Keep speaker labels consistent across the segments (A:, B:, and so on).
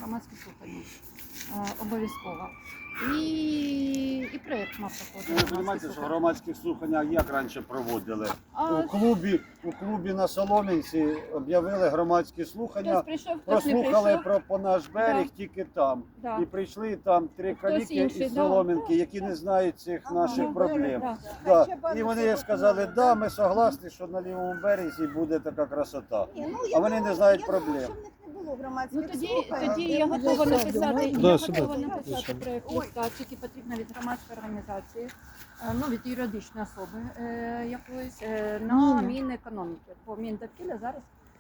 A: громадські слухання. Обов'язково. І проєкт мав
B: Ви
A: проходити.
B: розумієте, що громадські слухання як раніше проводили?
A: А,
B: У клубі на Солом'янці об'явили громадські
A: хтось
B: слухання,
A: прийшов, хтось не
B: прослухали
A: прийшов.
B: про наш берег
A: Да.
B: тільки там.
A: Да.
B: І прийшли там три
A: Хтось
B: каліки
A: інший,
B: із
A: да.
B: Солом'янки, які не знають цих наших
A: Да.
B: проблем.
A: Да.
B: Да. І вони сказали, да, ми согласні, що на лівому березі буде така красота. А вони не знають проблем.
A: Ну тоді я готова написати,
C: Да,
A: я
C: сюди.
A: готова написати проєкт листа, тільки потрібно від громадської організації, ну від юридичної особи якоїсь на Мінекономіки. По Міндовкілля зараз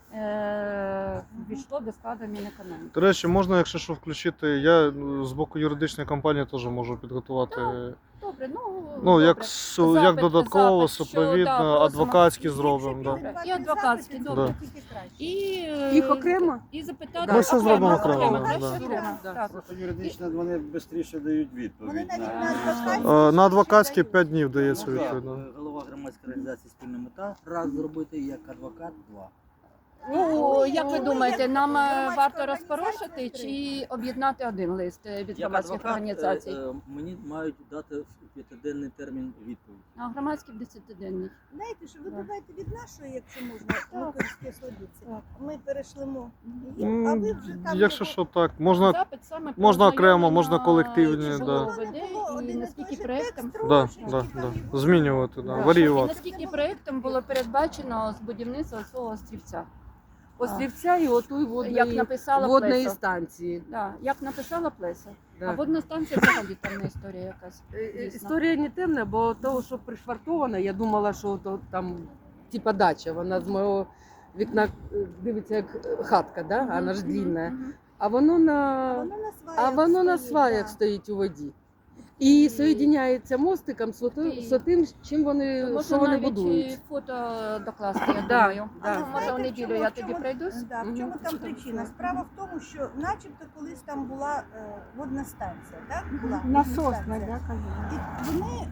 A: ввійшло до складу Мінекономіки.
C: До речі, можна, якщо що, включити. Я з боку юридичної компанії теж можу підготувати.
A: Добре,
C: Ну, як,
A: добре.
C: як додатково,
A: запит, що,
C: супровідно,
A: да, просимо.
C: адвокатські зробимо. Да.
A: І адвокатські, добре. І
D: Їх окремо?
A: І запитати
C: Ми все зробимо окремо,
A: краще
C: да.
A: окремо, так.
B: Просто юридично вони швидше дають
E: Вони
B: відповідь.
E: навіть
B: на-
E: на адвокатські
C: На адвокатські 5 днів дається
B: Ну, да.
C: відповідь.
F: Голова громадської організації «Спільна мета» раз зробити, як адвокат два.
A: Ну, як ви
E: Ну,
A: думаєте,
E: як
A: нам
E: громадська
A: варто
E: організація
A: розпорошити чи об'єднати один лист від
F: Як
A: громадських
F: адвокат
A: організацій?
F: мені мають дати в 5-денний термін відповідь.
A: А громадські в 10-денний.
E: Знаєте, що ви давайте від нашої, якщо можна, Луковської слобідці.
A: Так.
E: Ми перешлемо їм, а ви вже там...
C: Якщо що, так, можна.
A: Запит саме про
C: можна окремо,
A: ознайомлення,
C: можна колективні,
A: чи
C: да.
A: воно веде, і наскільки проєктом.
C: Да, змінювати, да,
A: І
C: варіювати.
A: наскільки проєктом було передбачено з будівництва цього острівця.
D: Острівця і отої
A: Як написала
D: водної
A: Плеса.
D: станції.
A: Да, як написала Плеса.
D: Да.
A: А водна станція взагалі темна історія якась. дійсно.
D: Історія не темна, бо того, що пришвартована, я думала, що то там типа дача. Вона з мого вікна дивиться як хатка, да?
A: Мгм,
D: Вона ж
A: мгм,
D: длінна.
A: мгм.
D: А воно на
E: Воно на сваях
D: сваях стоїть у воді. І соєдиняється мостиком з тим, чим вони,
A: Можна
D: що вони
A: навіть
D: будують.
A: і фото докласти, я
D: Да,
A: думаю.
D: да.
A: Ну, може, в неділю я тоді пройдусь.
E: Да, в чому там причина? Справа в тому, що начебто колись там була водна станція, так? Була
G: Насосна,
E: станція.
G: да, кажу.
E: І вони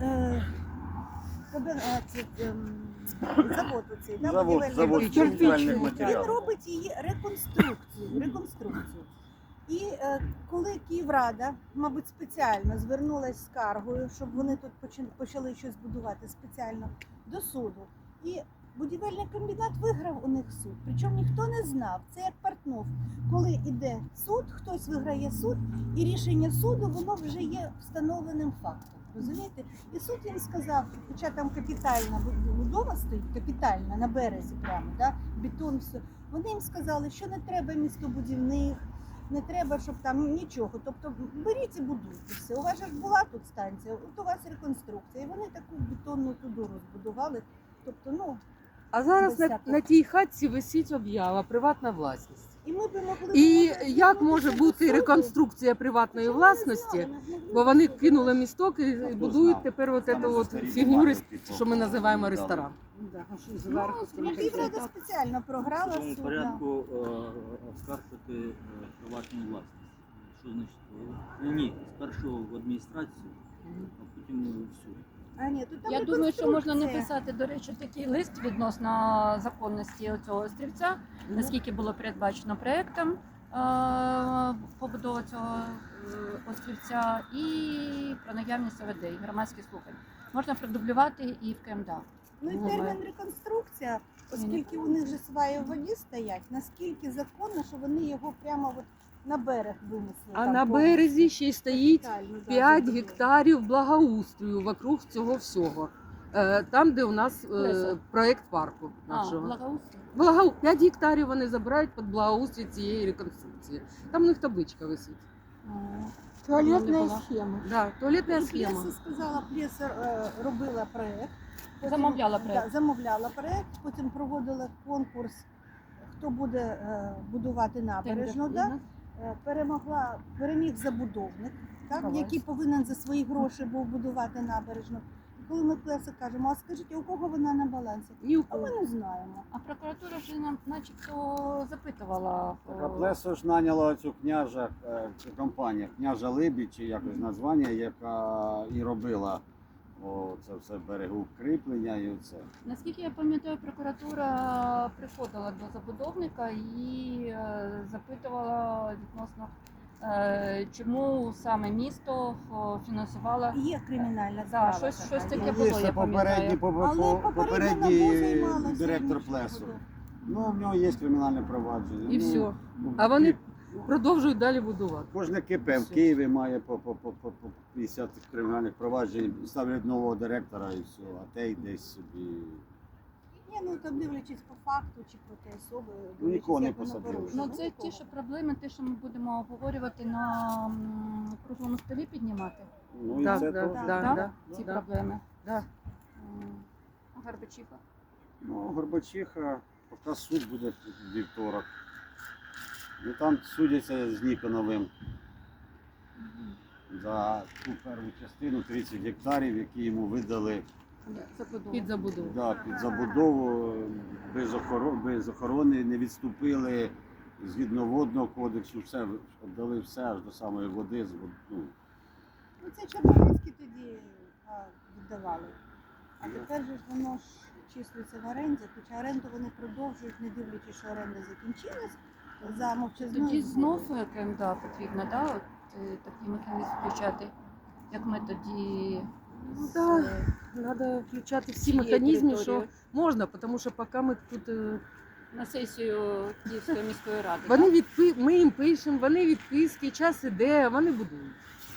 E: завод оцей, да,
B: Завод,
E: будівельний
B: завод
E: будівельний.
B: будівельних
E: Він
B: матеріалів.
E: робить її реконструкцію. І коли Київрада, мабуть, спеціально звернулася з скаргою, щоб вони тут почали щось будувати спеціально до суду. І будівельний комбінат виграв у них суд. Причому ніхто не знав. Це як Портнов. Коли йде суд, хтось виграє суд, і рішення суду воно вже є встановленим фактом. Розумієте? І суд їм сказав, хоча там капітальна будова стоїть, капітальна на березі прямо, да? Бетон, все. Вони їм сказали, що не треба містобудівних, не треба, щоб там нічого. Тобто беріть і будуйте все. У вас же ж була тут станція, от у вас реконструкція. І вони таку бетонну туду розбудували. Тобто, ну,
D: А зараз
E: без
D: на,
E: всякого.
D: на тій хатці висить об'ява приватна власність.
E: і ми б могли...
D: І
E: домовитися
D: як може
E: до
D: бути
E: суду.
D: реконструкція приватної
E: Чому ми не
D: власності?
E: знали? Ми ж не
D: Бо вони
E: знали.
D: кинули місток і
B: Хто
D: будують
B: знав?
D: тепер от
B: Саме
D: эту от
B: старі
D: фігню,
B: бумаги, типу,
D: що ми називаємо
B: дали.
D: ресторан.
E: Ну, Київрада спеціально програла
F: В цьому
E: суд. да.
F: порядку оскаржити приватну власність. Що значить? Ні, спершу в адміністрацію, а потім в суд.
E: А, ні, тут там
A: Я думаю, що можна
E: реконструкція.
A: написати, до речі, такий лист відносно законності цього острівця, наскільки було передбачено проєктом побудова цього острівця і про наявність ОВД, і громадських слухань. Можна продублювати і в КМДА.
E: Ну і термін реконструкція, оскільки у них же сваї в воді стоять, наскільки законно, що вони його прямо от на берег винесли.
D: А
E: там
D: на
E: повністю.
D: березі ще й стоїть
E: Капітально, да,
D: 5
E: забудова.
D: гектарів благоустрою вокруг цього всього. Там, де у нас
A: Леся.
D: проєкт парку
A: А,
D: нашого.
A: благоустрій.
D: 5 гектарів вони забирають під благоустрій цієї реконструкції. Там у них табличка висить. Не
G: Туалетная
D: була.
G: схема.
D: Да, туалетна
E: Ну,
D: схема.
E: Плеса сказала, Плеса робила проєкт. потім-
A: Замовляла проєкт.
E: Да, замовляла проєкт, потім проводила конкурс, хто буде будувати набережну.
A: Тендер.
E: Да? Переміг забудовник, так,
A: Клас.
E: який повинен за свої гроші був будувати набережну. І коли ми Плеса кажемо, а скажіть, у кого вона на балансі?
D: Ні у
E: А ми
D: кого.
E: не знаємо.
A: А прокуратура вже нам начебто запитувала.
B: Так, а Плесо ж наняла цю княжа компанія, княжа Либідь, чи якось названня, яка і робила це все берегу кріплення і оце.
A: Наскільки я пам'ятаю, прокуратура приходила до забудовника і запитувала відносно чому саме місто фінансувало.
E: Є кримінальна
A: Да,
E: справа.
A: щось
E: така,
A: таке
E: є.
A: було,
B: Є
A: я
B: попередній,
A: пам'ятаю.
E: Але попередньо
B: попередній
E: НАБУ займалося
B: директор
E: іншим
B: Плесу.
E: будом.
B: Ну, в нього є кримінальне провадження.
D: І
B: Ну,
D: все.
B: ну,
D: А вони
B: і
D: продовжують далі будувати.
B: Кожне КП в
D: Все.
B: Києві має по 50 кримінальних проваджень, ставлять нового директора і все, а те й десь собі.
E: Ні, ну там дивлячись по факту чи по тій особи,
B: Ну, нікого не
E: як воно
B: посадили.
E: порушено.
A: Ну, це ті ж проблеми, те, що ми будемо обговорювати на круглому столі піднімати.
B: Ну і
D: Так,
B: це
D: да,
B: теж.
D: да,
A: Так?
D: да,
A: Ці
D: да.
A: проблеми.
D: Да.
A: А Горбачиха?
B: Ну, Горбачиха, поки суд буде в вівторок. Ну там судяться з Ніконовим за ту першу частину 30 гектарів, які йому видали
A: Забудова.
D: Під забудову.
B: під забудову без охорони, не відступили згідно водного кодексу, все віддали все аж до самої води. Ну,
E: Ну це Чорнобильські тоді віддавали. А тепер же ж воно ж числиться в оренді, хоча оренду вони продовжують, не дивлячись, що оренда закінчилась. За мовчазною
A: Тоді знов
E: згодою.
A: КМДА потрібно, да? От, такий механізм включати, як ми тоді
D: Ну,
A: з,
D: да. Треба включати всі
A: цієї
D: механізми,
A: території
D: що можна, тому що поки ми тут
A: на сесію Київської міської ради.
D: вони
A: да?
D: ми їм пишемо, вони відписки, час іде, вони будують.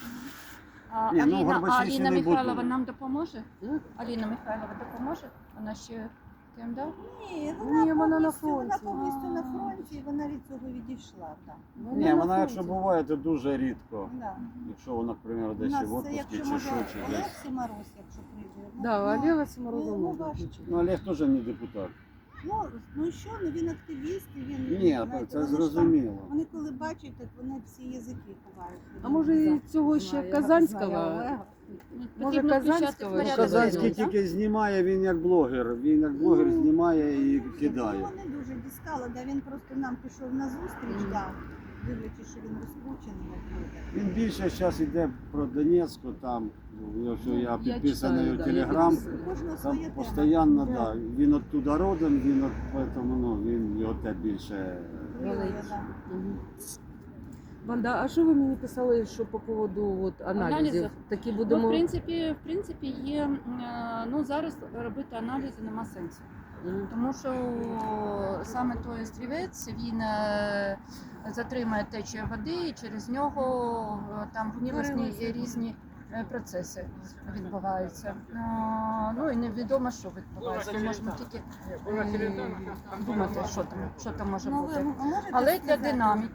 A: А
B: Ні, ну,
A: Аліна,
B: Горбачі ще
A: Аліна
B: не
A: Михайлова
B: будуть.
A: нам допоможе?
D: Ну,
A: Аліна Михайлова допоможе? Вона ще КМДА?
E: Ні,
D: Ні,
E: вона
D: вона на
E: повністю, вона
D: фронті.
E: повністю на фронті, і вона від цього відійшла. Так.
B: ні,
D: на
B: вона якщо
D: фронті.
B: буває, то дуже рідко.
E: Да.
B: Якщо вона, наприклад,
E: У
B: десь
E: нас
B: в
E: це,
B: отпуску
E: якщо
B: чи
E: може
B: що, чи
E: Олег
B: десь.
E: Симороз, якщо прийде.
D: Да, Олега Симороза
E: ну,
D: можна
E: важко.
D: включити.
B: Ну, Олег теж не депутат.
E: Ну і що, ну він активіст, і він...
B: Ні,
E: знаєте,
B: це
E: вони ж там-
B: зрозуміло.
E: Вони коли бачать, так вони всі язики ховають.
D: А може і цього ще Казанського? Може,
A: Потрібно включати
D: Казанського?
A: в
B: Ну,
A: порядок
B: Казанський
A: денний, так?
B: тільки знімає, він як блогер. Він як блогер
E: Ну,
B: знімає і
E: Ну,
B: кидає.
E: його не дуже дістало, да, він просто нам пішов на зустріч, да, дивлячись, що він розкручений. як буде.
B: Він більше зараз йде про Донецьку, там я підписаний
D: читаю,
B: у
D: да,
B: Телеграм.
E: У кожного
B: Там
E: своя тема.
B: постійно, да. Він оттуда родом, він поэтому, ну, він його те більше.
E: Хвилює, да.
D: Мгм. Ванда, а що ви мені писали, що по поводу от, аналізів?
A: Аналізів?
D: Такі
A: Ну,
D: будемо...
A: в принципі, є, ну, зараз робити аналізи нема сенсу.
D: Мгм.
A: Тому що саме той острівець, він затримує течію води і через нього там гнилосні і різні процеси відбуваються. Ну і невідомо, що відбувається. Можемо тільки думати, що там може
E: Ну,
A: бути.
E: ви можете
A: Але для
E: сказати?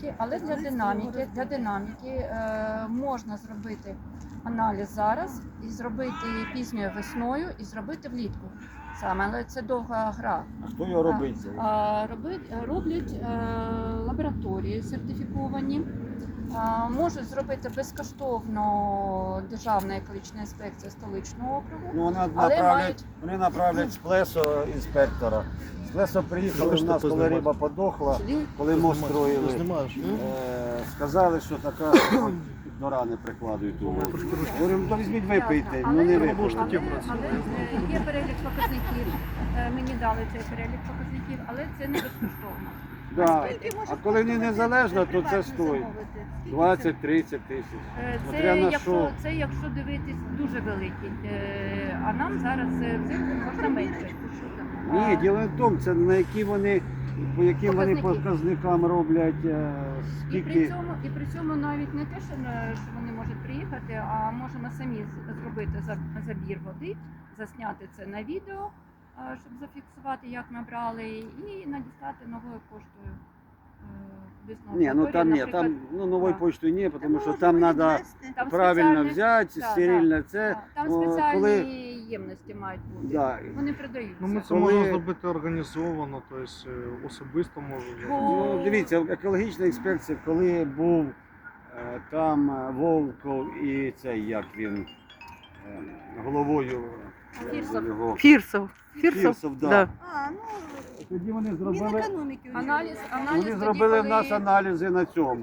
A: динаміки можна зробити аналіз зараз і зробити пізньою весною, і зробити влітку саме, але це довга гра.
B: А хто його робить?
A: Роблять лабораторії сертифіковані. Можуть зробити безкоштовно Державна екологічна інспекція столичного округу.
B: Ну,
A: Але
B: вони направлять з Плесо інспектора. З Плесо приїхали,
C: Залиште
B: в нас, коли
C: познімати.
B: риба подохла,
D: Сиділи?
B: коли мост
C: Ти
B: строїли,
C: знімаєш?
B: сказали, що така до рани прикладують у воду. Говорю, то візьміть випийте, ну не
A: Але
B: випийте.
A: є перелік показників, мені дали цей перелік показників, але це не безкоштовно.
B: Да.
E: Скільки може
B: А коли не
E: коштувати
B: незалежно, то це
E: приватно
B: стоїть
E: замовити? Скільки це?
B: 20-30 тисяч. Смотря на що.
A: Це якщо дивитись дуже великий, а нам зараз взимку можна менше.
B: Ні, діло не в тому, це на які вони, по яким вони
A: Показники.
B: показникам роблять,
A: І при
B: скільки.
A: цьому навіть не те, що вони можуть приїхати, а можемо самі зробити забір води, засняти це на відео, щоб зафіксувати, як ми брали, і надіслати новою поштою. Висновок
B: Ні, ну
A: лабораторії,
B: там ні,
A: наприклад.
B: там ну, нової
A: Да.
B: почти ні, тому
E: Та
B: що
E: можемо
B: там треба
E: відвести.
A: Там
B: правильно
A: спеціальні-
B: взяти,
A: да,
B: стерильно це.
A: Там
B: О,
A: спеціальні
B: коли-
A: ємності мають бути.
B: Да.
A: Вони продаються.
C: Ну, ми це
B: Коли-
C: можемо зробити організовано, тобто особисто можемо зробити.
B: Ну, дивіться, екологічна інспекція, коли був там Волков і цей, як він, головою
A: Фірсов.
B: його.
D: Фірсов.
B: Фірсов, да.
D: Да.
E: А, ну,
B: Тоді вони зробили,
E: Мінекономіки.
A: Аналіз
B: вони
A: тоді,
B: зробили в
A: коли-
B: нас аналізи на цьому.
A: Коли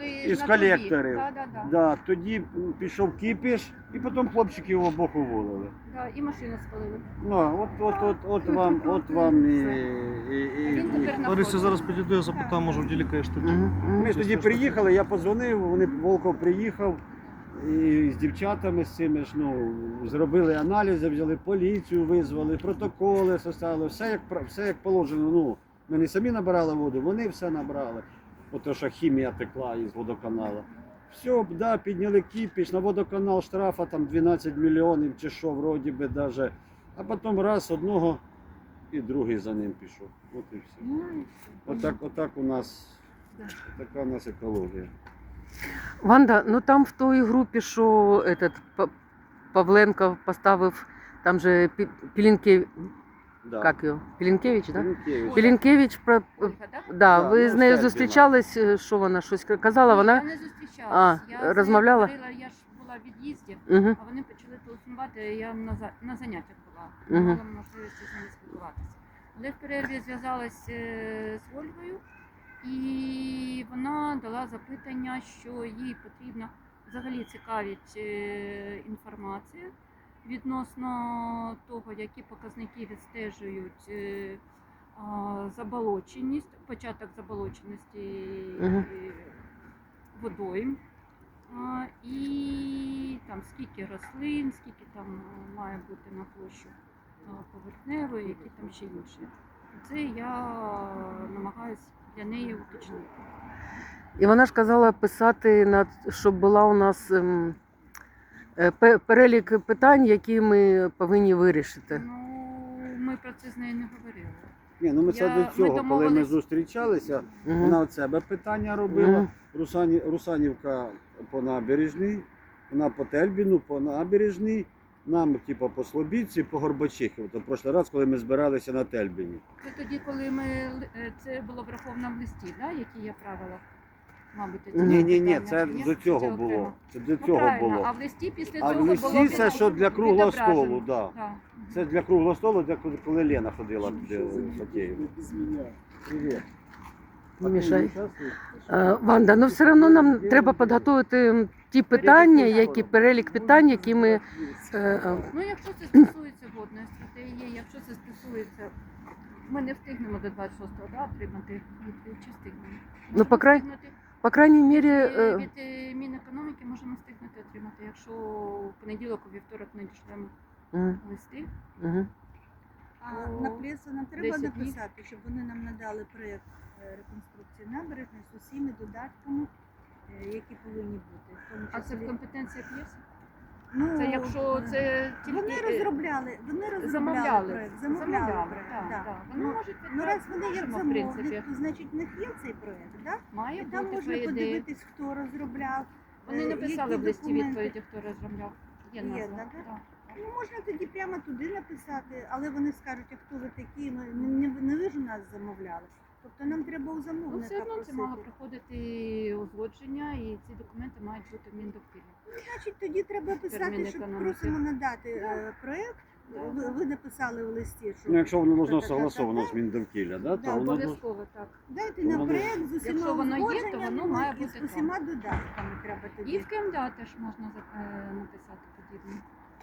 A: були
B: із
A: на трубі.
B: колекторів.
A: Да.
B: Да, тоді пішов кипіш, і потім хлопчиків обох уволили.
A: Да, і машину спалили.
B: Ну, от вам і.
A: А він тепер на
C: Лариса,
A: фронті.
C: зараз підійду, я запитаю, може в ділі кажеш тоді.
B: Ми ж тоді приїхали, я подзвонив, Волков приїхав і з дівчатами з цими ж, зробили аналізи, взяли поліцію, визвали, протоколи составили, все як положено. Ну, ми не самі набирали воду, вони все набрали. Ото що хімія текла із водоканалу. Все, да, підняли кіпіш, на водоканал штрафа там 12 мільйонів чи що, вроді би даже. А потім раз одного і другий за ним пішов. От і все. Отак у нас, така у нас екологія.
D: Ванда, ну там в той групі, що этот Павленко поставив, там же Пілінкевич,
B: Да.
D: як його? Пілінкевич, так? Да?
B: Пілінкевич.
D: Пілінкевич,
A: Ольга, так?
D: да,
B: Да,
D: ви
B: ну,
D: з нею
B: Стельбіна.
D: зустрічались, що вона щось казала, вона?
A: Я не зустрічалась.
D: А,
A: Я з нею
D: розмовляла?
A: говорила, я ж була в від'їзді,
D: Угу.
A: а вони почали телефонувати, я на заняттях була, не
D: Мгм.
A: мала можливості з ними спілкуватися. Але в перерві зв'язалась з Ольгою, і вона дала запитання, що їй потрібно, взагалі цікавить інформація відносно того, які показники відстежують заболоченість, початок заболоченості
D: Мгм.
A: водойм. І там скільки рослин, скільки там має бути на площу поверхневої, які там ще інші. Це я намагаюся для неї уточнити.
D: І вона ж казала писати, щоб була у нас перелік питань, які ми повинні вирішити.
A: Ну, ми про це з нею не говорили.
B: Ні, ну це
A: Я-
B: до
A: ми
B: цього, коли ми
A: домовились.
B: зустрічалися,
D: Мгм.
B: вона от себе питання робила.
D: Мгм.
B: Русанівка по набережній, вона по Тельбіну, по набережній, нам, типу, по Слобідці, по Горбачихі. От в прошлий раз, коли ми збиралися на Тельбіні.
A: Це тоді, коли це було враховано в листі, да, які є правила? Мабуть, ці
D: Мгм.
B: Ні,
A: питання.
B: це
A: Ні?
B: до цього
A: Це
B: було.
A: окремо.
B: Це до
A: Ну,
B: цього
A: правильно,
B: було.
A: а в листі після
B: А в
A: цього
B: листі
A: було
B: це що для круглого
A: відображено.
B: столу, да.
A: Да.
B: Це для круглого столу, коли Лена ходила в Фатєєву. Привіт.
D: Не мішай. Ванда, ну все одно нам треба підготувати ті питання, перелік питань, які ми.
A: Ну, якщо це стосується водної стратегії, якщо це стосується, ми не встигнемо до 26-го, да, отримати відповідь, чи встигнемо?
D: Ну,
A: Можемо
D: по
A: встигнути.
D: По крайній мірі,
A: Від Мінекономіки можемо встигнути отримати, якщо в понеділок, у вівторок надішлемо
D: Мгм,
A: листи.
D: мгм.
E: А
A: О,
E: на пресу нам треба
A: 10 днів.
E: написати, щоб вони нам надали проєкт реконструкції набережної з усіма додатками, які повинні бути. В тому
A: А це в
E: числі-
A: компетенції п'єси?
E: Ну,
A: Це якщо це тільки
E: вони розробляли
A: замовляли.
E: проєкт,
A: Замовляли,
E: проєкт,
A: так,
E: да.
A: так. Вони
E: Ну,
A: можуть
E: Ну, раз вони як
A: можемо, в
E: замовник,
A: принципі.
E: то значить в них є цей проєкт, да?
A: Має
E: І там
A: бути
E: можна
A: по ідеї.
E: подивитись, хто розробляв.
A: Вони написали
E: які
A: в листі
E: документи.
A: відповіді, хто розробляв. Є
E: Є,
A: назва.
E: так?
A: Да.
E: Ну, можна тоді прямо туди написати, але вони скажуть, а хто ви такі, ми не ви ж у нас замовляли. Тобто нам треба у
A: Ну,
E: замовника
A: все одно це
E: просити.
A: мало проходити узгодження, і ці документи мають бути в Міндовкілі.
E: Значить, тоді треба писати,
A: Термін
E: що
A: економіки.
E: просимо надати проєкт. Ви написали в листі, що
B: Ну, якщо воно можна
E: та-та-та-та-та.
B: согласовано з Міндовкілля, да,
E: Да,
B: то воно
A: Обов'язково так.
E: Дайте
B: Воно
E: нам
B: буде-
E: проєкт з усіма
A: Якщо воно є, то
E: узгодженнями
A: воно має
E: і
A: бути
E: з усіма додатками треба
A: І
E: тоді.
A: в КМДА теж можна написати подібне.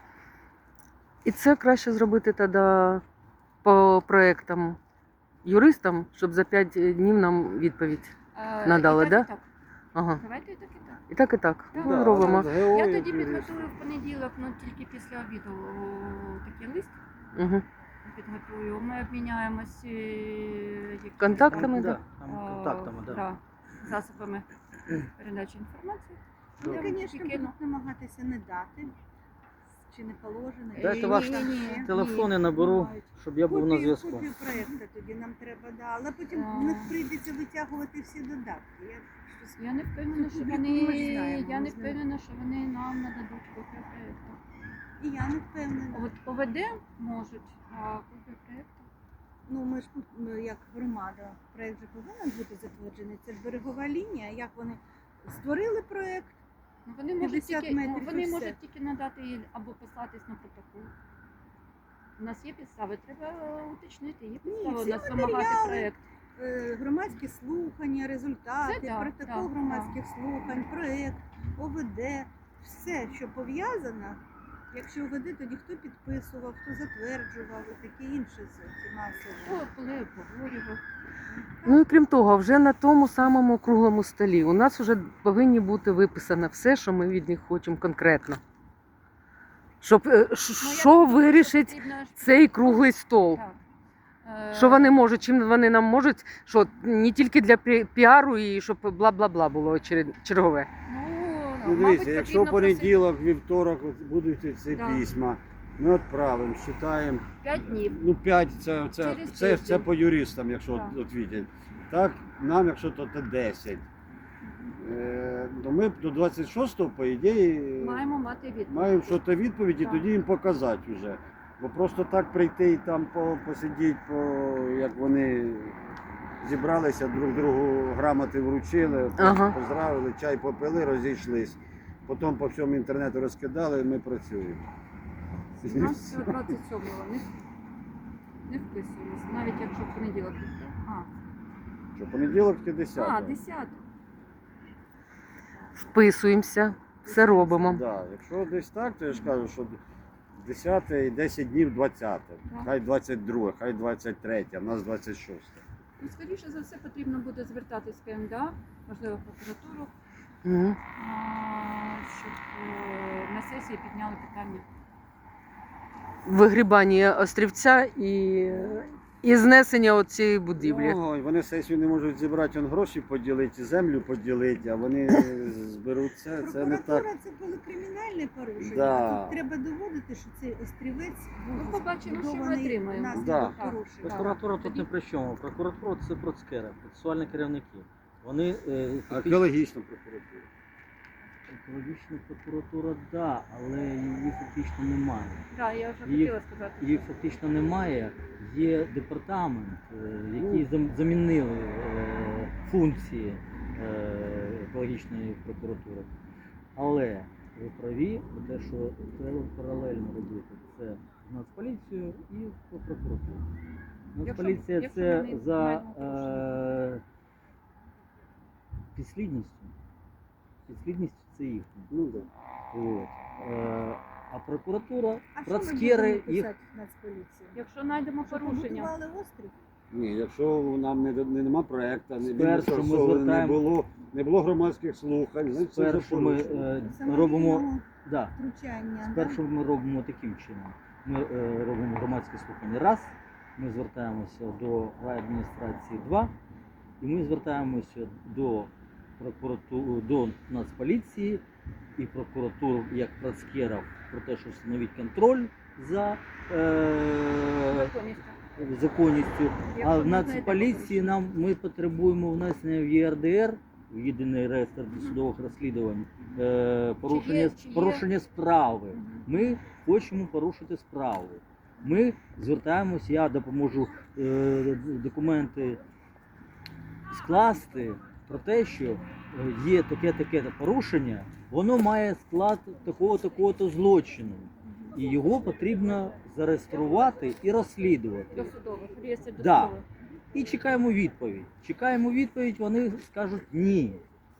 D: І це краще зробити тоді по проєктам юристам, щоб за 5 днів нам відповідь. Надали,
A: І так,
D: да?
A: і так.
D: Ага.
A: Давайте і так, і так.
D: І так, і так.
A: Так.
D: Ну,
B: Да,
D: робимо.
B: з
A: Я
B: геології
A: тоді
B: юрист.
A: підготую в понеділок, ну тільки після обіду такий лист
D: Угу.
A: підготую. Ми обміняємось якимись
D: Контактами,
A: там,
D: да?
F: Там контактами, да.
A: да, засобами передачі інформації.
E: Ну,
A: Я
E: звісно,
A: тільки, ну,
E: будуть намагатися не дати, чи не положено.
F: Дайте
E: чи
F: ваш
E: ні.
F: Телефони наберу,
A: мають.
F: щоб я був на зв'язку.
E: Копію проєкту тоді нам треба, да. Але потім
A: А.
E: в них прийдеться витягувати всі додатки.
A: Я не впевнена, що
E: Публікуємо,
A: вони
E: ми знаємо,
A: я
E: ми
A: не
E: знаємо.
A: впевнена, що вони нам нададуть копію проєкту.
E: І я не впевнена.
A: От ОВД можуть, а копію проєкту.
E: Ну, ми ж як громада, проєкт же повинен бути затверджений. Це берегова лінія, як вони створили проєкт.
A: Ну, вони можуть
E: 50
A: тільки,
E: метрів і
A: вони
E: все.
A: можуть тільки надати їй або послатись на протокол. У нас є підстави, треба уточнити, є підстави у
E: всі
A: нас вимагати
E: матеріали,
A: проєкт.
E: громадські слухання, результати,
A: Це так,
E: протокол
A: так,
E: громадських слухань, проєкт, ОВД, все, що пов'язано. Якщо ОВД, тоді хто підписував, хто затверджував і таке інше ці масові.
A: Хто коли обговорював.
D: Ну і крім того, вже на тому самому круглому столі у нас вже повинні бути виписано все, що ми від них хочемо конкретно. Щоб що вирішить
A: Потрібно ж-
D: цей круглий стол?
A: Так.
D: Що вони можуть, чим вони нам можуть, що не тільки для піару і щоб бла-бла-бла було чергове.
B: Ну,
A: мабуть,
B: дивіться, якщо в
A: потрібно
B: понеділок, вівторок от будуть ці
A: Да.
B: письма, ми відправимо, читаємо.
A: просити 5 днів.
B: Ну, 5
A: Через
B: це
A: тиждень.
B: по юристам, якщо
A: Так.
B: от відять. Так, нам, якщо то 10. То ми до 26-го, по ідеї,
A: Маємо мати відповідь.
B: маємо щось відповідь і
A: Так.
B: тоді їм показати вже. Бо просто так прийти і там посидіти, як вони зібралися, друг другу грамоти вручили,
D: Ага.
B: поздравили, чай попили, розійшлись. Потім по всьому інтернету розкидали, і ми працюємо.
A: У нас всього 27-го не вписуємося, навіть якщо в понеділок піти.
B: Що понеділок чи 10?
A: 10.
D: Вписуємося, все робимо.
B: Да, якщо десь так, то я ж кажу, що 10 і 10 днів 20, хай 22, хай 23, а в нас 26.
A: І, скоріше за все, потрібно буде звертатись в КМДА, можливо, в прокуратуру,
D: Мгм.
A: щоб на сесії підняли питання.
D: Вигрібання острівця і знесення цієї будівлі.
B: Ну, вони сесію не можуть зібрати, он гроші поділити, землю поділити, а вони зберуть це не так.
E: Прокуратура це коли кримінальне порушення.
B: Да.
E: Тут треба доводити, що цей острівець був
A: Ну, побачимо, що ми
E: збудований
A: отримаємо.
E: внаслідок
B: Да.
E: порушення.
F: Прокуратура тут не при чому. Прокуратура це процкери, процесуальні керівники. Вони фактично-
B: Екологічна прокуратура.
F: екологічна прокуратура, да, але її фактично немає.
A: Так, я вже
F: Її-
A: хотіла сказати.
F: Її фактично немає. Є департамент, який замінили функції екологічної прокуратури. Але ви праві про те, що треба паралельно робити це з Нацполіцією і в прокуратурі. Нацполіція
A: якщо
F: це
A: вони
F: за
A: мають порушення.
F: підслідністю. Підслідність це їхня.
B: Ну, да.
F: От. А прокуратура,
E: А що ми
F: процкери
E: будемо
F: їх.
E: писати в Нацполіції?
A: Якщо знайдемо
E: Що
A: порушення,
E: побудували острів?
B: Ні, якщо нам нема проєкту, не
F: Спершу ми
B: не
F: звертаємо-
B: не було громадських слухань, значить це вже
F: Спершу ми
B: порушення.
F: робимо.
E: Самовільного
F: Да,
E: втручання.
F: спершу ми робимо таким чином. Ми робимо громадські слухання раз, ми звертаємося до райадміністрації 2, і ми звертаємося до прокуратури, до Нацполіції і прокуратуру як процкерів про те, що встановить контроль за
A: законністю.
F: законністю. А
A: Якщо
F: в
A: ви
F: Нацполіції
A: знаєте
F: ми потребуємо внесення в ЄРДР, в єдиний реєстр досудових розслідувань, порушення,
A: Чи є-
F: порушення справи.
A: Мгм.
F: Ми хочемо порушити справу. Ми звертаємося, я допоможу документи скласти про те, що є таке порушення, воно має склад такого-то злочину. І його потрібно зареєструвати і розслідувати.
A: Досудових, реєстр
F: Да.
A: досудових.
F: І чекаємо відповідь. Чекаємо відповідь, вони скажуть ні.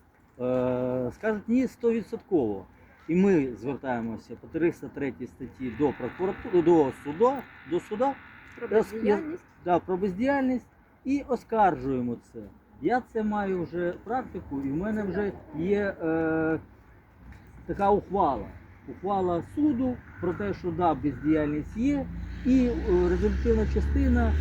F: Скажуть ні 100%. І ми звертаємося по 303 статті до прокуратури, до суда
A: Про бездіяльність.
F: про бездіяльність і оскаржуємо це. Я це маю вже практику, і в мене вже є така ухвала. Ухвала суду про те, що да, бездіяльність є, і результативна частина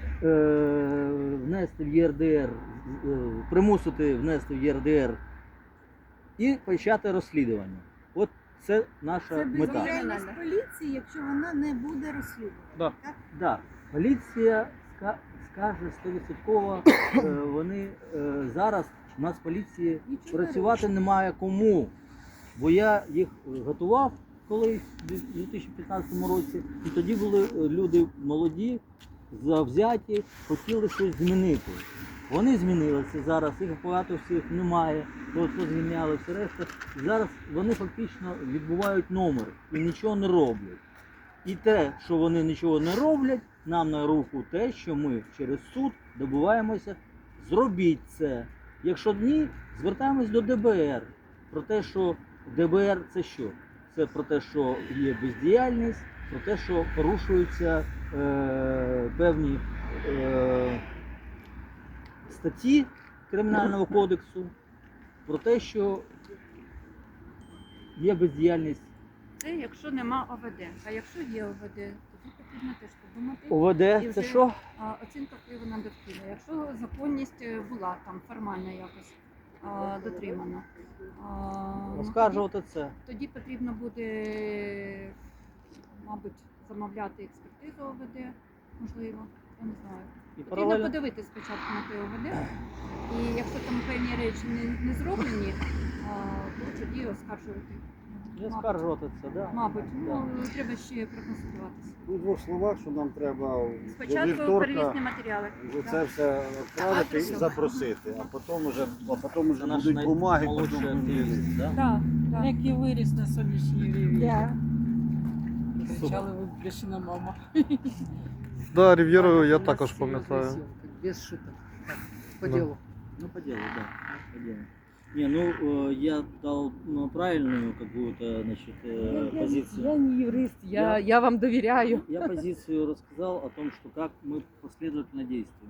F: внести в ЄРДР, примусити внести в єрдр і почати розслідування. От це наша
E: Це
F: мета.
E: бездіяльність поліції, якщо вона не буде розслідувана.
C: Да.
E: Так?
F: Да. Поліція скаже 100%, вони зараз у нас поліції
E: Нічого
F: працювати немає кому. Бо я їх готував колись у 2015 році, і тоді були люди молоді, завзяті, хотіли щось змінити. Вони змінилися зараз, їх багато всіх немає, звільняли все решта. І зараз вони фактично відбувають номер і нічого не роблять. І те, що вони нічого не роблять, нам на руку те, що ми через суд добуваємося зробіть це. Якщо ні, звертаємось до ДБР. Про те, що ДБР це що? Це про те, що є бездіяльність, про те, що порушуються певні статті Кримінального кодексу, про те, що є бездіяльність.
A: Це якщо нема ОВД. А якщо є ОВД, тоді потрібно теж подумати.
F: ОВД
A: І
F: це
A: вже-
F: що?
A: Оцінка впливу на довкілля. Якщо законність була там формально якось дотримана, ну,
F: Оскаржувати це.
A: тоді потрібно буде, мабуть, замовляти експертизу ОВД, можливо, я не знаю.
F: І
A: Потрібно
F: паралельно
A: подивитися спочатку на те ОВД, і якщо там певні речі не зроблені, то тоді оскаржувати.
F: і
A: Мабуть.
F: оскаржувати це, да?
A: Мабуть,
F: Да.
A: треба ще проконсультуватися.
B: У двох словах, що нам треба до
A: Спочатку
B: вівторка
A: перевізні матеріали.
B: вже
A: Да.
B: це все відправити і
A: Адресом.
B: запросити, а потім вже
F: Це наш
B: будуть бумаги,
F: наймолодший
B: потім
F: активіст, да?
A: Да, да.
G: Який виріс на сонячній рівні.
E: Да.
G: Кричали виплющена мама.
C: Да, Рів'єру я
D: У нас
C: також
D: серйозна
C: пам'ятаю.
D: зйомка, без шуток. Так, по
C: Да.
D: ділу.
F: Ну, по делу, да. По делу. Не, ну, я дал правильную какую-то, значит, позицию.
D: Я не юрист,
F: Я-
D: я вам довіряю.
F: Я позицию рассказал о том, что как мы последовательно действуем.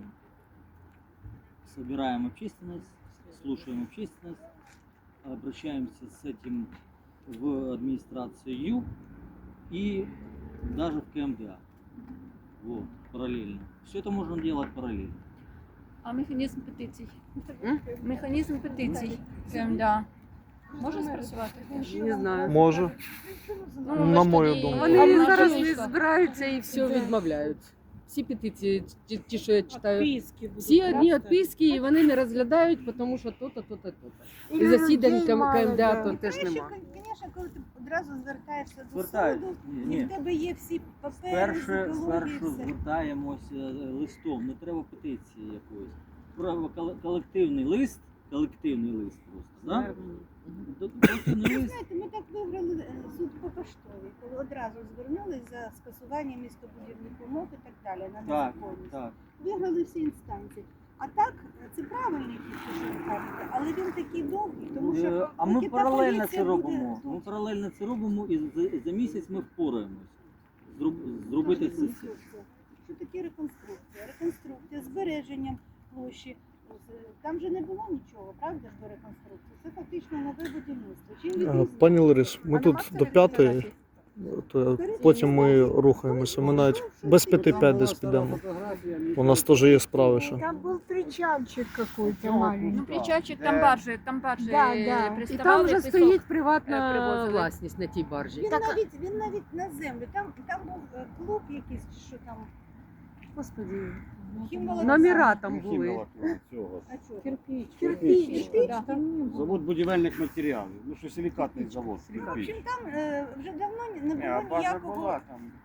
F: Собираем общественность, слушаем общественность, обращаемся с этим в администрацию ЮП и даже в КМДА. Вот, параллельно. Все это можно делать параллельно.
A: А механізм петицій?
D: М?
A: Механізм петицій. КМДА. Може спрацювати?
D: Не знаю.
C: Може.
A: Ну,
C: На
A: ви ж
C: мою
A: тоді-
C: думку.
D: Вони
A: А
D: зараз
A: наша
D: не
A: вийшла.
D: збираються і все
A: Да.
D: відмовляють. Всі петиції, ті, що я читаю,
G: Відписки будуть,
D: всі одні
G: правда?
D: відписки, і вони не розглядають, тому що то-то, то-то, то-то. І засідань КМДА то теж
E: Краще,
D: нема.
E: звісно, коли ти одразу звертаєшся до
F: Звертаюсь.
E: суду,
F: Ні,
E: і
F: ні.
E: в тебе є всі папери,
F: Спершу
E: екології, все.
F: звертаємося листом, не треба петиції якоїсь. Треба колективний лист просто, да? Колективний лист.
E: Знаєте, ми так виграли суд по поштовій, коли одразу звернулись за скасування містобудівних умов і так далі на
F: Так,
E: незаконність.
F: так.
E: Виграли всі інстанції. А так, це правильний підхід, що ви кажете, але він такий довгий, тому що
F: А ми
E: поки та
F: паралельно
E: поліція
F: це
E: буде
F: робимо.
E: тут.
F: Ми паралельно це робимо і за місяць ми впораємось. Зробити це.
E: Реконструкція. Що таке реконструкція? Реконструкція, збереженням площі. Там же не було нічого, правда ж, до реконструкції? Це фактично нове будівництво. Чим відрізняється?
C: Пані Ларис, ми
A: А
C: тут
A: нема
C: до 5,
A: фотографій?
C: то потім ми рухаємося. Ми навіть без 5 десь підемо. У нас теж є справи ще.
H: Там был причальчик какой-то
A: Ну,
H: маленький.
A: причальчик, там баржі
H: Да, да.
D: І
A: приставали,
D: там вже
A: пісок.
D: стоїть приватна
A: привозили.
D: власність на тій баржі.
E: Він навіть на землю. Там був клуб якийсь, чи що там.
D: Господи,
E: Хімволокна.
D: номера там були.
B: Цього.
E: А чого?
G: Кирпич.
E: Кирпич,
A: да.
B: Завод будівельних матеріалів. Ну що силікатний завод.
E: Ну, в
B: кирпич.
E: общем, там вже давно не було ніякого.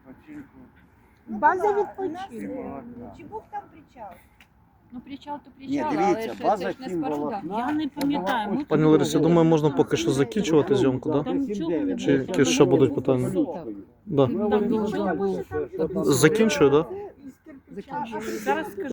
H: База
E: була.
H: відпочинку.
E: У нас, Чи був там причал?
A: Ну, причал то
B: Ні,
A: причал, але
B: дивіться,
A: ж
B: база
A: це ж не
B: хімволокна.
A: споруда.
G: Я не пам'ятаю. Ми
C: Пані Ларисі, я думаю, можна поки що закінчувати зйомку, так?
G: Там нічого не
C: Чи
G: було.
C: якісь ще будуть питання? Да.
G: Там нічого не було.
C: Закінчую, так?
H: Из кирпича.
D: Закінчую.
G: Зараз скажу.